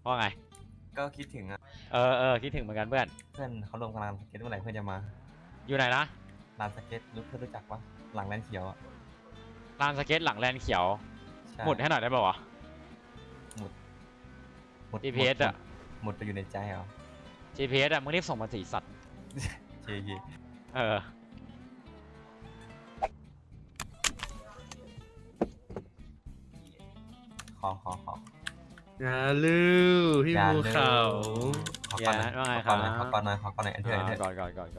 ว่าไงก็คิดถึงอ่ะคิดถึงเหมือนกันเพื่อนเพื่อนเขาลงกำลังสเก็ตเมื่อไหร่เพื่อนจะมาอยู่ไหนนะลานสเก็ตเพื่อนรู้จักปะหลังแลนเขียวอ่ะลานสเก็ตหลังแลนเขียวใช่หมุดให้หน่อยได้ป่าวะหมุด GPS อะหมุดไปอยู่ในใจเหรอ GPS อะมึงรีบส่งมาสีสัตว์เชียเออขออย่าลืมพี่ภูเขาขอก่อนหน่อยขอก่อนหน่อยขอก่อนหน่อยอันเถอะก่อน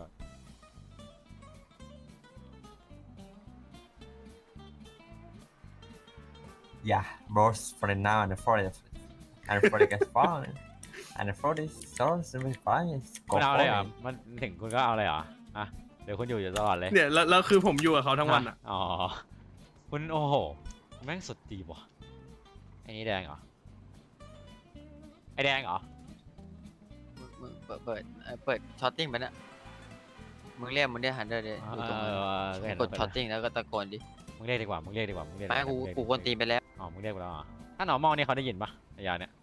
Yeah, bros for the now and for the gets fun and for this source and fine คุณเอาเลยเหรอมันถึงคุณก็เอาเลยเหรออ่ะเดี๋ยวคุณอยู่ตลอดเลยเนี่ยแล้วคือผมอยู่กับเขาทั้งวันอ่ะอ๋อคุณโอ้โหแม่งสุดดีว่ะไอ้นี่แดงเหรอไอ้แดงเหรอมึงเปิดช็อตติ้งไปเนี่ยมึงเรียกฮันเดอร์ดิอยู่ตรงนั้นกดช็อตติ้งแล้วก็ตะโกนดิมึงเรียกดีกว่ามึงเรียกไม่กูควรตีไปแล้วอ๋อมึงเรียกไปแล้วถ้าหนอมองนี่เขาได้ยินปะไอ้ยาเนี่ย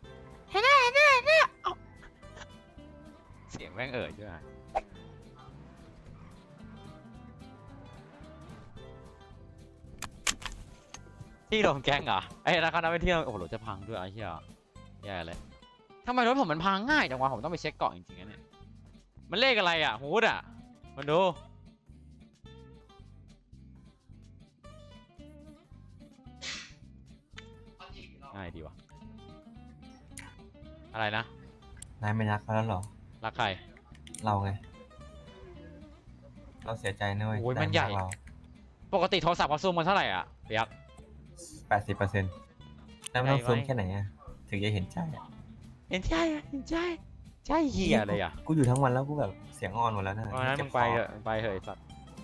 เสียงแม่งใช่ไหมที่โดนแกงเหรอไอ้ราคานักไปเที่ยวโอ้โหรถจะพังด้วยไอ้เหี้ยแย่เลยทำไมรถผมมันพังง่ายจังวะผมต้องไปเช็คเกาะจริงๆนะเนี่ยมันเลขอะไรอ่ะฮูดอ่ะมันดูง่ายดีวะอะไรนะนายไม่รักเขาแล้วหรอรักใครเราไงเราเสียใจนะเว้ยโอ้ยมันใหญ่ปกติโทรศัพท์เขาซูมมันเท่าไหร่อ่ะเปียก 80%แล้วมันต้องซูมแค่ไหนอ่ะถึงจะเห็นใจอ่ะเห็นใจเหี้ยเลยอ่ะกูอยู่ทั้งวันแล้วกูแบบเสียงอ่อนหมดแล้วนะเพราะนั้นมึงไปเถอะไอ้สัตว์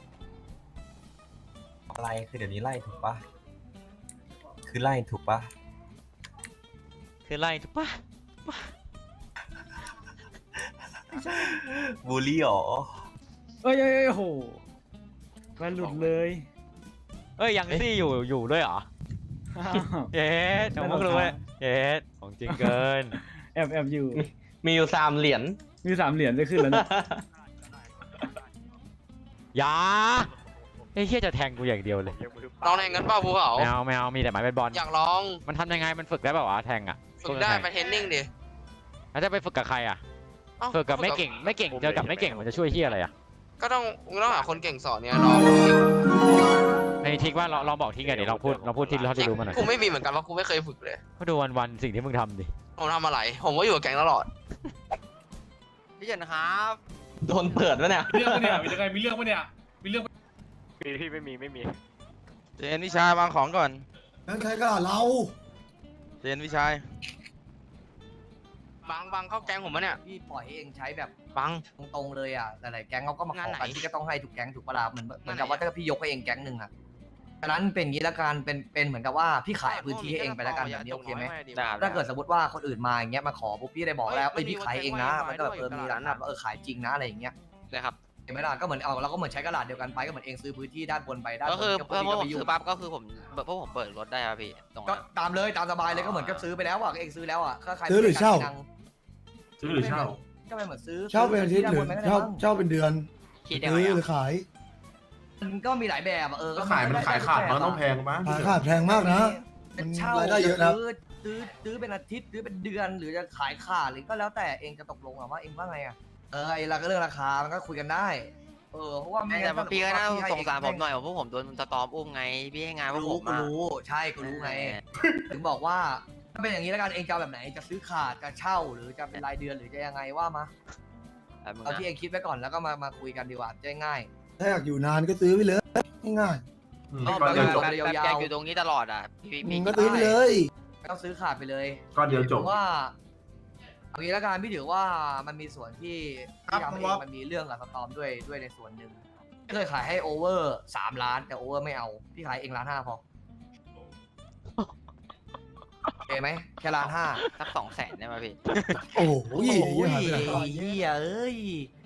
อะไรคือเดี๋ยวนี้ไล่ถูกปะคือไล่ถูกปะบูลลี่หรอเอ้ยโหมันหลุดเลยยังซี่อยู่ด้วยเหรอเย้จงมึงรู้เลยเย้ของจริงเกินแอบอยู่มีอยู่3 เหรียญมี3 เหรียญจะขึ้นแล้วนะอย่าไอ้เหี้ยจะแทงกูอย่างเดียวเลยลองแทงกันเปล่าภูเขาไม่เอามีแต่ไม้เบสบอลอยากลองมันทำยังไงมันฝึกได้เปล่าวะแทงอ่ะฝึกได้ไปเทรนนิ่งดิแล้วจะไปฝึกกับใครอ่ะฝึกกับไม่เก่งเจอกับไม่เก่งมันจะช่วยเหี้ยอะไรอ่ะก็ต้องหาคนเก่งสอนเนี่ยลองในทิกว่าลองบอกทิกไงเดี๋ยวลองพูดทิกแล้วจะรู้มันหน่อยกูไม่มีเหมือนกันว่ากูไม่เคยฝึกเลยก็ดูวันสิ่งที่มึงทำดิผมทำอะไรผมก็อยู่กับแก๊งตลอดพี่เจนครับโดนเปิดวะเนี่ยมีเรื่องปะเนี่ยพี่ไม่มีเจนวิชาวางของก่อนนั่นใครก็เราเจนวิชัยบังเข้าแก๊งผมมะเนี่ยพี่ปล่อยให้เองใช้แบบบังตรงๆเลยอ่ะแต่หลายแก๊งเขาก็มาขอกันที่ก็ต้องให้ทุกแก๊งถูกปะล่ะเหมือนกับว่าถ้าพี่ยกให้เองแก๊งหนึ่งอ่ะฉะนั้นเป็นอย่างนี้ละกันเป็นเหมือนกับว่าพี่ขายพื้นที่ให้เองไปแล้วกันแบบนี้โอเคไหมถ้าเกิดสมมติว่าคนอื่นมาอย่างเงี้ยมาขอปุ๊บพี่ได้บอกแล้วพี่ขายเองนะมันก็แบบมีร้านแบบขายจริงนะอะไรอย่างเงี้ยนะครับเห็นไหมล่ะก็เหมือนเราก็เหมือนใช้กระดาษเดียวกันไปก็เหมือนเองซื้อพื้นที่ด้านบนไปด้านบนก็คือพอผมซื้อปั๊บก็คือผมเปิดรถได้ครับพี่ก็ตามเลยตามสบายเลยก็เหมือนกับซื้อไปแล้วอ่ะเองซื้อแล้วอ่ะก็ใครซื้อหรือเช่าก็เป็นเหมือนซื้อเช่าเป็นอาทิตย์หรือเช่าเป็นเดือนซื้อหรือขายมันก็มีหลายแบบก็ขายมันขายขาดมันต้องแพงมั้งขายขาดแพงมากนะเป็นเช่ารายได้เยอะนะซื้อเป็นอาทิตย์ซื้อเป็นเดือนหรือจะขายขาดหรือก็แล้วแต่เองจะตกลงว่าเองว่าไงอ่ะไอ้เรื่องราคามันก็คุยกันได้เพราะว่าแต่พี่ก็น่าสงสารผมหน่อยเพราะผมโดนสตอมอุ้มไงพี่ให้งานพวกผมรู้ใช่กูรู้ไงถึงบอกว่าถ้าเป็นอย่างนี้แล้วกันเองจะแบบไหนจะซื้อขาดจะเช่าหรือจะเป็นรายเดือนหรือจะยังไงว่ามาเอาที่เองคิดไว้ก่อนแล้วก็มาคุยกันดีกว่าจะง่ายถ้าอยากอยู่นานก็ซื้อไปเลยง่ายแบบอยู่ตรงนี้ตลอดอ่ะพี่ก็ซื้อไปเลยต้องซื้อขาดไปเลยก็เดียวจบว่าเอางี้แล้วกันพี่ถือว่ามันมีส่วนที่ทำให้มันมีเรื่องกับสตอมด้วยในส่วนหนึ่งเคยขายให้โอเวอร์3 ล้านแต่โอเวอร์ไม่เอาพี่ขายเอง1.5 ล้านพอโอเคไหมแค่1.5 ล้านสัก200,000ได้ไหมพี่โอ้โหเหี้ย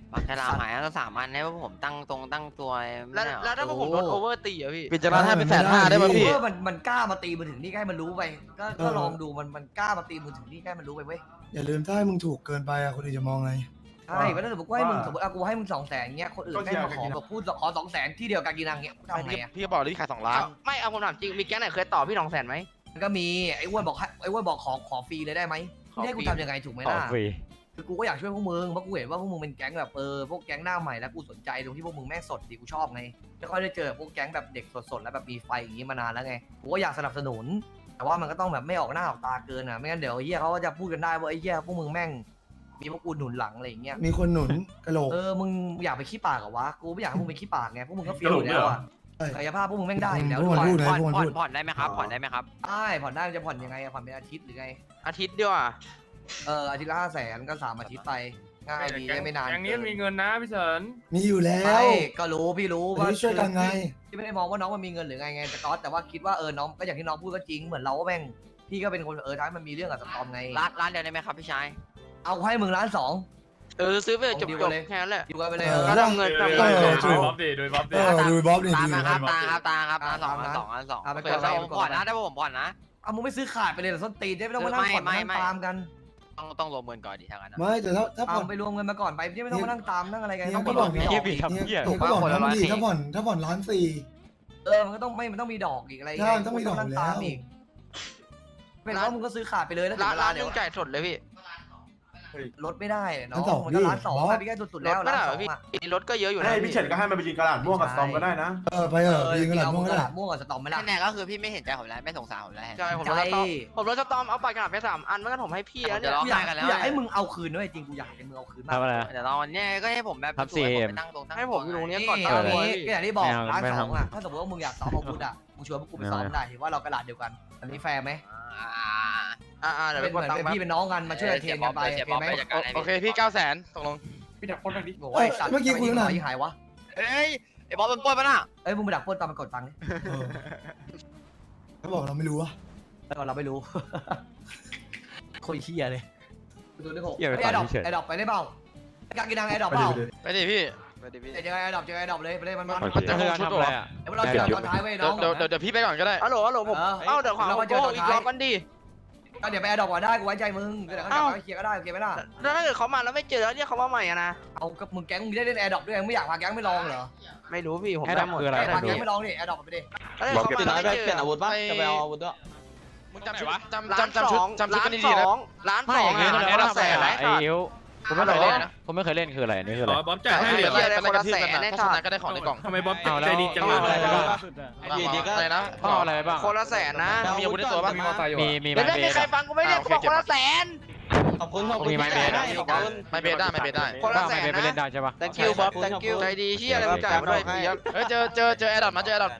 ปากฉลามหายแล้ว3 อันให้พวกผมตั้งตัวไม่แล้วได้เหรอแล้วถ้าพวกผมโดนโอเวอร์ตีอะพี่ปิดจราให้เป็น150,000ได้ป่ะพี่มันกล้ามาตีมือถึงนี่ใกล้มันรู้ไปก็ลองดูมันกล้ามาตีมือถึงนี่ใกล้มันรู้ไปเว้ยอย่าลืมถ้าให้มึงถูกเกินไปอะคนอื่นจะมองไงใช่ก็ถ้าสมมติว่าให้มึงสมมติกูให้มึง200,000เงี้ยคนอื่นแม่งมาขอแบบพูดขอ200,000ที่เดียวกันกินนังเงี้ยทำไงอ่ะพี่ก็บอกเลยพี่ขาย2 ล้านไม่เอาผมถามจริงมีแก๊งไหนเคยต่อพี่200,000ไหมมันก็มีไอ้อ้วนบอกขอฟรีเลยได้ไหมไม่ให้กูทำยังไงถูกไหมต่อล่ะฟรีคือกูก็อยากช่วยพวกมึงเพราะกูเห็นว่าพวกมึงเป็นแก๊งแบบพวกแก๊งหน้าใหม่แล้วกูสนใจตรงที่พวกมึงแม่งสดดีกูชอบไงไม่ค่อยได้เจอพวกแก๊งแบบเด็กสดๆแล้วแบบมีไฟอย่างงี้มานานแล้วไงกูก็อยากสนับสนุน แต่ว่ามันก็ต้องแบบไม่ออกหน้าออกตาเกินอ่ะไม่งั้นเดี๋ยวไอ้เหี้ยเขาก็จะพูดกันได้ว่าไอ้เหี้ยพวกมึงแม่งมีพวกกูหนุนหลังอะไรอย่างเงี้ยมีคนหนุนกระโหลกมึงอยากไปขี้ปากเหรอวะกูไม่อยากให้มึงไปขี้ปากไงพวกมึงก็เฟี้ยวอยู่แล้วอ่ะใช่กายภาพพวกมึงแม่งได้อยู่แล้วพวกด้มัวนพูดยนะพวกมันพูดผ่อนได้ไหมครับผ่อนได้ไหมครับได้ผ่อนได้มันจะผ่อนยังไงอะผ่อนเป็นอาทิตย์หรือไงอาทิตย์เดียวอะอาทิตย์ละ500,000ก็3 อาทิตย์ไปง่ายดีไม่นานอย่างนี้มีเงินนะพี่เฉินมีอยู่แล้ใช่วก็รู้พี่รู้อันนี้ช่วยกันไงพี่ไม่ได้มองว่าน้องมันมีเงินหรือไงแต่ว่าคิดว่าน้องก็อย่างที่น้องพูดก็จริงเหมือนเราก็แม่งพี่ก็เป็นคนท้ายมันมีเรื่องกับสตอมไงร้านเดียวได้ไหมครับพี่ชายเอาให้มึง1.2 ล้านซื้อไปจบเอาดีกว่าเลยแค่นั้นแหละอยู่กันไปเลยก็ทำเงินทำเอเงินอถูกโดยบ๊อบดูบ๊อบนี่ตามดูมาครับบ๊อบตามครับร้านสองเอาไปเปิดก่อนผมผ่อนนะได้ผมผ่อนนะเอามึงไม่ซื้อขาดไปเลยเหรอส้นตีนได้ไม่ต้องมานั่งผ่อนไม่นั่งตามกันต้องรวมเงินก่อนดิทางนั้นนะไม่แต่ถ้าผ่เอาอนไปรวมเงินมาก่อนไปไม่ต้องมานั่งตามนั่งอะไรกันเนี่ยต้องก็มีบอกดอกไงมีดอกเหี้ยอีกทำเหี้ยก็บอกนะคนละมึงดิ 1,400 ถ้าผ่อน1.4 ล้านมันก็ต้องมันต้องมีดอกอีกอะไรใช่ต้องมีดอกนั่งอยู่แล้วตามอีกเป็นว่ามึงก็ซื้อขาดไปเลยแล้วถึงเวลาร้านเดี๋นึยวงจ่ายสดเลยพี่ลดไม่ได้น้องร้านสองมันก็พี่ 1.2 บอสไปพี่แค่สุดๆรแล้ถวไม่ได้ร้านเหรสอองพี่อ่ะรถก็เยอะอยู่นะให้พี่เฉินก็ให้มันไปยิงกระดาษม่วงกับสตอมก็ได้นะไปเถอะยิงกระหล่ำม่วงก็ได้ม่วงกับสตอมไม่ได้แน่ๆก็คือพี่ไม่เห็นใจผมแล้วไม่สงสารผมแล้วใช่ผมรถสตอมเอาไปกระดาษไป3 อันเมื่อกี้ผมให้พี่แล้วเนี่ยร้องกูอยากไห้กันแล้วกูอยากให้มึงเอาคืนด้วยจริงกูอยากให้มึงเอาคืนมากทำอะไรอะเดี๋ยวตอนนี้ก็ให้ผมแบบครับช่วยผม CM ไปตั้งตรงตั้งให้ผมอยู่ตรงนี้ก่อนนี่เอางี้ก็อย่างที่บอกไม่เอาร้านไม่สองทำอ่ะถ้าสมมติว่ามึงอยากซ้อมอาวุธอ่ะมึงชวนพวกกูไปซ้อมได้ถือว่าเรากระดาษเดียวกันอันนี้แฟร์ไหมเดี๋ยวเป็ไปนกเหดมือนตังค์เป็นพี่เป็นน้องกันมาช่วยเทรนกันไปโอเคไหมโอเคพี่900,000ตกลงพี่ดักคนหน่อยดิโอ้ยสัตว์เมื่อกี้คุยกันหน่อยยิงหายวะเอ้ยไอ้บอลเป็นป้นปะน่ะเอ้ยมึงไปดักปล้นตามมันกดตังค์ดิเออเขาบอกเราไม่รู้อะแล้วเราไม่รู้ โคตรเฮียเลยดูดิโหเหี้ยไปไอ้ดอกเฉยไอ้ดอกไปได้เปล่าการกินดังไอ้ดอกเปล่าไปดิพี่เจอไอ้ดอกเจอไอ้ดอกเลยไปเลยมันโอเคจะเพื่อนชุดทำเหรออะไรอ่ะเดี๋ยวเราเจอตอนท้ายไว้น้องเดี๋ยวพี่ไปก่อนก็ได้ฮัลโหลผมเออเดี๋ยวขวาเรามาเจอตอนอีกท้ายรอบกันดิก็เดี๋ยวไปไอ้ดอกก่อนได้กูไว้ใจมึงเดี๋ยวเขาจะเคลียร์ก็ได้โอเคไหมล่ะแล้วถ้าเกิดเขามาแล้วไม่เจอแล้วเรียกเขามาใหม่อะนะเอากับมึงแก๊งมึงได้เล่นแอร์ดรอปด้วยมึงไม่อยากพาแก๊งไม่ลองเหรอไม่รู้พี่ผมให้ได้ดำหมดคืออะไรพาดูแก๊งไม่ลองดิแอร์ดรอปไปดิแล้วถ้าเกิดเขามาแล้วไม่เจอจะไปเอาอาวุธด้วยมึงจำชุดจำชุดกันดีๆนะล้านไม่สองอย่างงี้แสดงว่าทำอะไรอ่ะไอ้อิ๋วผมไม่เคยเล่นฮัลโหลนะผมไม่เคยเล่นคืออะไรอันนี่คืออะไรบ๊อบจ่ายให้เหรียญอะไรคนละแสนได้ค่ะก็ได้ของในกล่องทำไมบ๊อบใจดีจังเลย อะไรนะพ่ออะไรไปบ้างคนละแสนนะมีอาวุธในตัวป่ะมีมอเตอร์ไซค์อยู่มีเดี๋ยวไม้ไม่เบมีสใครฟังกูไม่ได้กูบอกคนละแสนขอบคุณมีไม้เบสไม่เบสได้ไม่เบสได้คนละแสนไม้เบสไปเล่นนะได้ใช่ปะ thank you บ๊อบ thank you ใจดีเชี่ยอะไรมึงจ่ายมาด้วยพี่ยับเฮ้ยเจอแอร์ดอทมาเจอแอร์ดอท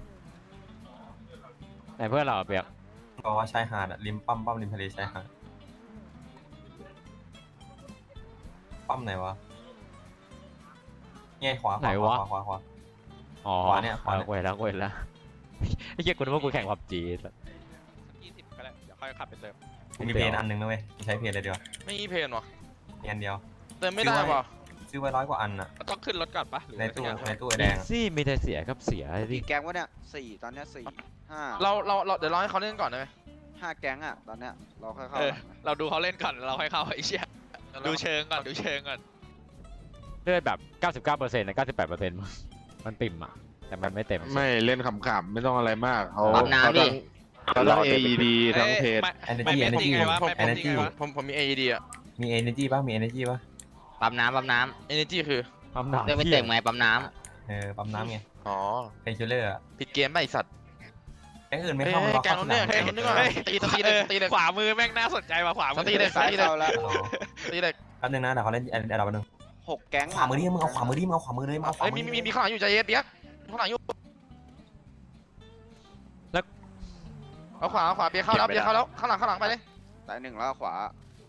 ไหนเพื่อนเราอะเปียกบอกว่าชายหาดอะริมปั๊มริมทะเลชายหาดปั๊มไหนวะเนี่ยขวาอ๋อขวาเนี่ยเว้ยแล้วไอ้เหี้ยกูนึกว่ากูแข่งพับจี 20ก็ได้เดี๋ยวค่อยขับไปเติมมีเพนอันนึงนะเว้ยใช้เพนเลยเดียวไม่มีเพนหรอมีอันเดียวเติมไม่ได้ป่ะซื้อไว้100 กว่าอันอะต้องขึ้นรถก่อนป่ะในตู้ไอ้แดงอะซี่มีแต่เสียครับเสียดิกี่แก๊งวะเนี่ย4ตอนเนี้ย4 5 เราเดี๋ยวรอให้เขาเล่นก่อนได้ไหม 5แก๊งอ่ะตอนเนี้ยเราค่อยเข้าเราดูเขาเล่นก่อนเราค่อยเข้าไอ้เชี่ยดูเชิงก่อนเลือดแบบ 99%นะ98%มันติ่มอ่ะแต่มันไม่เต็มไม่เล่นขำๆไม่ต้องอะไรมากเขาปั๊มน้ำดิเขาต้อง AED ทั้งเพจ energy energy energy ผมมี AED อ่ะมี energy ป่ะมี energy ป่ะปั๊มน้ำ Energy คือปั๊มหนักเรื่องไม่เต็มไงปั๊มน้ปั๊มน้ำไงอ๋อเป็นคิลเลอร์อะผิดเกมไปสัตว์แก๊งอื่นไม่เข้ามาล็อกแกเข้าง สนู้นนาเนี่ยมแกงนู้นก่อนตีเลยขวามือแม่งน่าสนใจว่ะขวามือตีเลยซ้ายเข้าแล้วอ๋อตีเลยแป๊บนึงนะเดี๋ยวเขาเล่นแอดดอปแป๊บนึง 6แก๊งขวามือดิมึงเอาขวามือดิมึงเอาขวามือเลยมึงเอาขวาเอ้ยมือมีข้างหลังอยู่ใจเย็นเปียกข้างหลังอยู่เอาขวาเปียกเข้าแล้วข้างหลังไปเลยสาย1แล้วขวา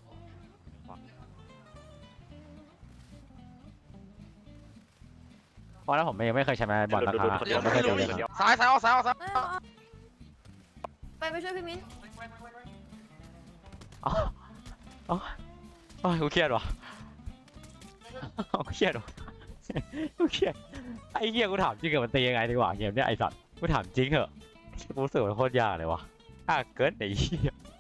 เพราะแล้วผมยังไม่เคยใช้ไม้บอลราคาผมไม่เคยเจอเลยครับซ้ายออกซ้ายไปช่วยพี่มิ้นอ๋อกูเครียดว่ะเครียดว่ะกูเครียดไอ้เหี้ยกูถามจริงเหรอมันตียังไงดีกว่าเกมเนี้ยไอ้สัตว์กูถามจริงเหรอกูรู้สึกมันโคตรยากเลยวะยากเกินไอ้เหี้ย